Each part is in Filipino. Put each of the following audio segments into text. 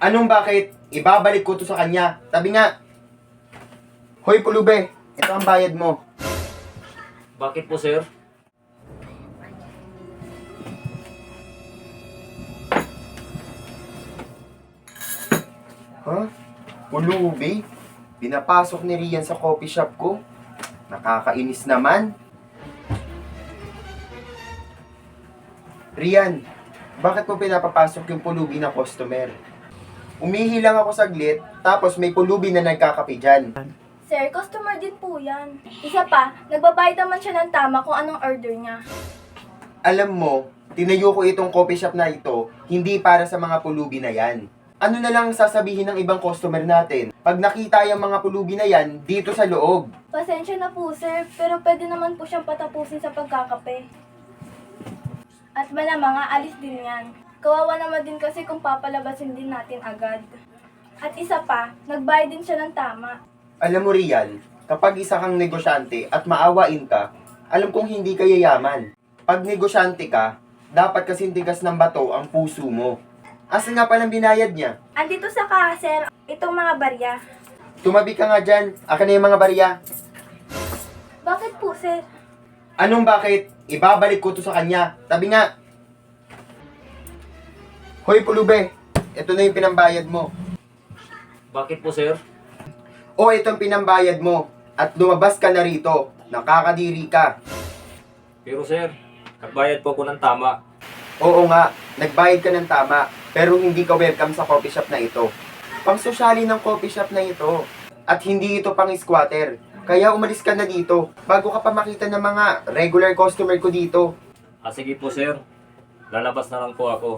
Anong bakit? Ibabalik ko to sa kanya. Sabi nga, Hoy Pulube, ito ang bayad mo. Bakit po, sir? Ha? Pulube? Pinapasok ni Rian sa coffee shop ko? Nakakainis naman. Rian, bakit mo pinapapasok yung pulubi na customer? Umihi lang ako saglit, tapos may pulubi na nagkakape dyan. Sir, customer din po yan. Isa pa, nagbabayad naman siya ng tama kung anong order niya. Alam mo, tinayo ko itong coffee shop na ito, hindi para sa mga pulubi na yan. Ano na lang sasabihin ng ibang customer natin? Pag nakita yung mga pulubi na yan, dito sa loob. Pasensya na po, sir, pero pwede naman po siyang patapusin sa pagkakape. At malamang aalis din yan. Kawawa naman din kasi kung papalabasin din natin agad. At isa pa, nagbayad din siya ng tama. Alam mo Rian, kapag isa kang negosyante at maawain ka, alam kong hindi ka yayaman. Pag negosyante ka, dapat kasing tigas ng bato ang puso mo. Asa nga palang binayad niya? Andito sa kaha, sir, itong mga barya. Tumabi ka nga dyan, akin na yung mga barya. Bakit po, sir? Anong bakit? Ibabalik ko to sa kanya. Sabi nga, Hoy Pulube, ito na yung pinambayad mo. Bakit po, sir? O itong pinambayad mo at lumabas ka na rito. Nakakadiri ka. Pero, sir, nagbayad po ako ng tama. Oo nga, nagbayad ka ng tama, pero hindi ka welcome sa coffee shop na ito. Pang-sosyali ng coffee shop na ito. At hindi ito pang-squatter. Kaya umalis ka na dito, bago ka pa makita ng mga regular customer ko dito. Sige po, sir. Lalabas na lang po ako.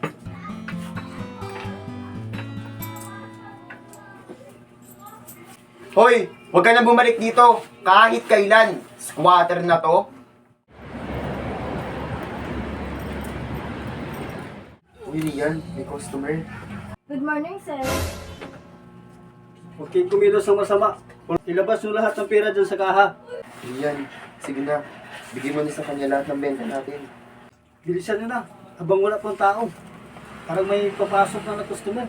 Hoy, huwag ka na bumalik dito, kahit kailan. Squatter na to. Uy, Rian, may customer. Good morning, sir. Huwag kayong kumilos ng masama. Ilabas nyo lahat ng pera dyan sa kaha. Rian, sige na. Bigyan mo na sa kanya lahat ng benta natin. Bilisan nyo na, habang wala pang tao. Parang may papasok na customer.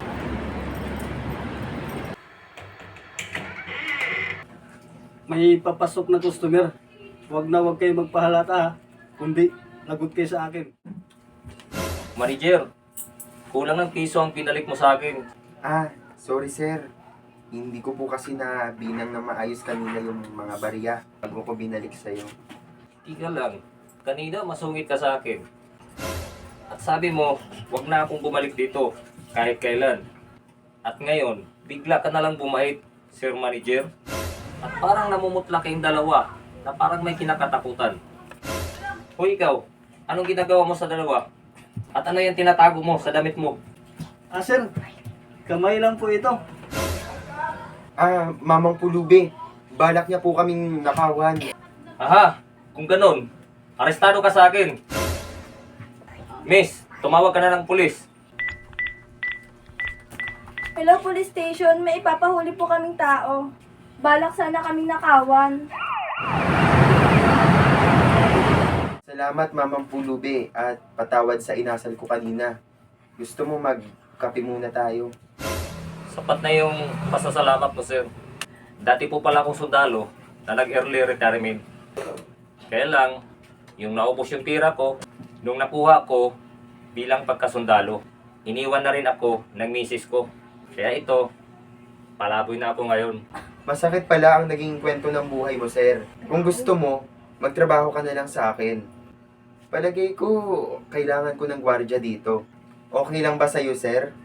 May papasok na customer. Huwag kayo magpahalata ha. Kundi, lagot kayo sa akin. Manager, kulang ng piso ang pinalik mo sa akin. Ah, sorry sir. Hindi ko po kasi na binang na maayos kanina yung mga barya bago ko binalik sa'yo. Tiga lang. Kanina masungit ka sa akin. At sabi mo, wag na akong bumalik dito kahit kailan. At ngayon, bigla ka na lang bumait, Sir Manager. At parang namumutla kayong dalawa na parang may kinakatakutan. Hoy ikaw, anong ginagawa mo sa dalawa? At ano yung tinatago mo sa damit mo? Ah sir, kamay lang po ito. Ah, Mamang Pulube. Balak niya po kaming nakawan. Aha, kung ganun, arestado ka sa akin. Miss, tumawag ka na ng pulis. Hello, police station. May ipapahuli po kaming tao. Balak sana kaming nakawan. Salamat Mamang Pulube at patawad sa inasal ko kanina. Gusto mo magkape muna tayo? Sapat na yung pasasalamat mo, sir. Dati po pala akong sundalo na nag-early retirement. Kaya lang, yung naubos yung tira ko, nung nakuha ko bilang pagkasundalo, iniwan na rin ako ng misis ko. Kaya ito, palaboy na ako ngayon. Masakit pala ang naging kwento ng buhay mo, sir. Kung gusto mo, magtrabaho ka na lang sa akin. Palagay ko, kailangan ko ng gwardiya dito. Okay lang ba sa'yo, sir?